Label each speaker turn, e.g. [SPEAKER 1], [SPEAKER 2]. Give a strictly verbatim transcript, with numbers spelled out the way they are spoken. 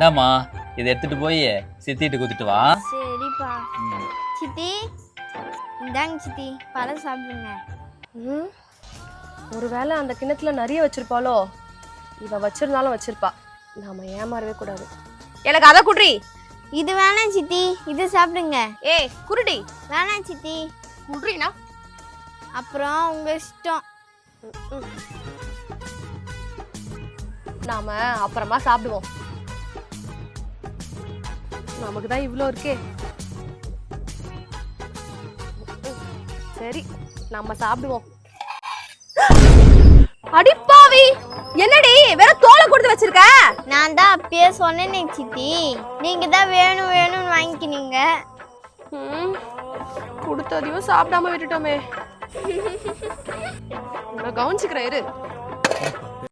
[SPEAKER 1] இந்தாம்மா இதை எடுத்துட்டு போய் சித்திட்டு குத்துட்டு வா.
[SPEAKER 2] சரிப்பா. சித்தி இந்தாங்க சித்தி, பழம் சாப்பிடுங்க.
[SPEAKER 3] ம் ஒருவேளை அந்த கிணத்துல நிறைய வச்சிருப்பாளோ? இவ வச்சிருந்தாலும் வச்சிருப்பா, நாம ஏமாறவே கூடாது. எனக்கு அதை குட்ரி.
[SPEAKER 2] இது வேணாம் சித்தி, இது சாப்பிடுங்க.
[SPEAKER 3] ஏய் குருடி.
[SPEAKER 2] வேணாம் சித்தி.
[SPEAKER 3] குட்ரினா
[SPEAKER 2] அப்புறம் உங்க இஷ்டம்.
[SPEAKER 3] நாம அப்புறமா சாப்பிடுவோம், நமக்கு தான் இவ்வளோ இருக்கே. சரி நம்ம சாப்பிடுவோம். அடிப்பாவி, என்னடி வேற தோலை கொடுத்து வச்சிருக்க?
[SPEAKER 2] நான் தான் அப்பயே சொன்னேனே சித்தி, நீங்க தான் வேணும் வேணும்னு வாங்கிக்கினீங்க.
[SPEAKER 3] ம் கொடுத்ததையும் சாப்பிடாம விட்டுட்டோமே. நான் கவனிச்சுக்கிறேன் இரு.